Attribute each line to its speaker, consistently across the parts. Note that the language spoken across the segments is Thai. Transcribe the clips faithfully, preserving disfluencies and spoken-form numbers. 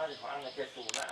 Speaker 1: สิบฟังเจ็ดศูนย์นะ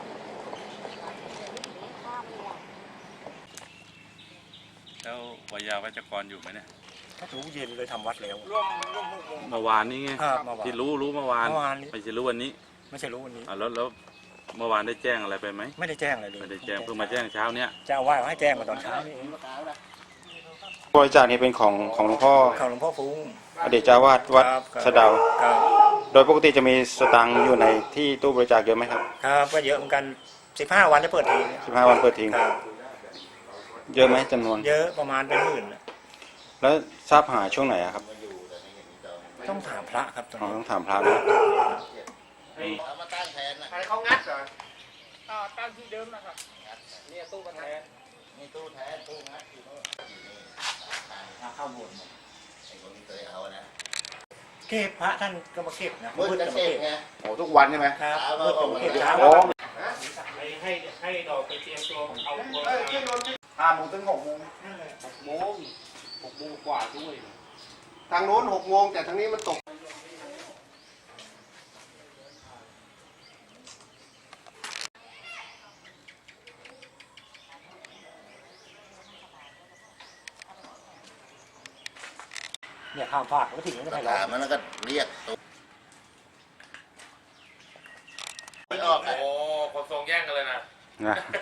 Speaker 2: แล้ววายาวัจกรอยู่ไหมเนี่ย
Speaker 3: ถ้ารู้เย็นเลยทำวัดแล้ว
Speaker 1: ร่วมร่วมหกโมง
Speaker 2: เมื่อวานนี้ไงที่รู้รู้เมื่อวานไม่ใช่รู้วันนี้
Speaker 3: ไม่ใช่รู้วันนี้
Speaker 2: อ่าแล้วแล้วเมื่อวานได้แจ้งอะไรไปไหม
Speaker 3: ไม่ได้แจ้งอะไรเลย
Speaker 2: ไม่ได้แจ้งเพิ่งมาแจ้งเช้าเนี้ย
Speaker 3: เจ้าว่าให้แจ้งมาตอนเช้านี่เอง
Speaker 4: บริจาคนี้เป็นของของหลวงพ่อ
Speaker 3: ข่าวหลวงพ่อฟุ้ง
Speaker 4: อดีตเจ้าวาดวัดสะเดาโดยปกติจะมีสตังค์อยู่ในที่ตู้บริจาคเยอะไหมครับ
Speaker 3: ครับก็เยอะเหมือนกันสิบห้าวันจะเปิดที
Speaker 4: สิบห้าวันเปิดทิ้งเยอะไหมจำนวน
Speaker 3: เยอะประมาณเป็นหมื่น
Speaker 4: แล้วทราบหาช่วงไหนครับ
Speaker 3: ต้องถามพระครับ
Speaker 4: ต้องถามพระนะ
Speaker 1: เอามาตั้งแทนนะใครเขางัดเหรออ่าตั้งที่เดิมนะครับนี่ตู้มาแทนนี่ตู้แทนตู้งัดอยู่โน่นเข้าบนไอ้คนที่เคยเอานะ
Speaker 3: เก็บพระท่านก็มาเก็บนะ
Speaker 1: มืดจะเก็บไง
Speaker 4: โอ้ทุกวันใช่ไหม
Speaker 3: ครับมืดก็เก็บเช้า
Speaker 1: ให้ให้ให้ดอกไปเตรียมตัวเอาตัว
Speaker 4: ห้าโมงถึงหกโมง
Speaker 1: หกโมงหกโมงกว่าด้วย
Speaker 4: ทางโน้นหกโมงแต่ทางนี้มันตก
Speaker 3: เนี่ยข้ามภาคก็ถึงไม่ได้หรอก
Speaker 1: มันก็เรียกตัวไม่ออกโอ้คนทรงแย่งกันเลยนะ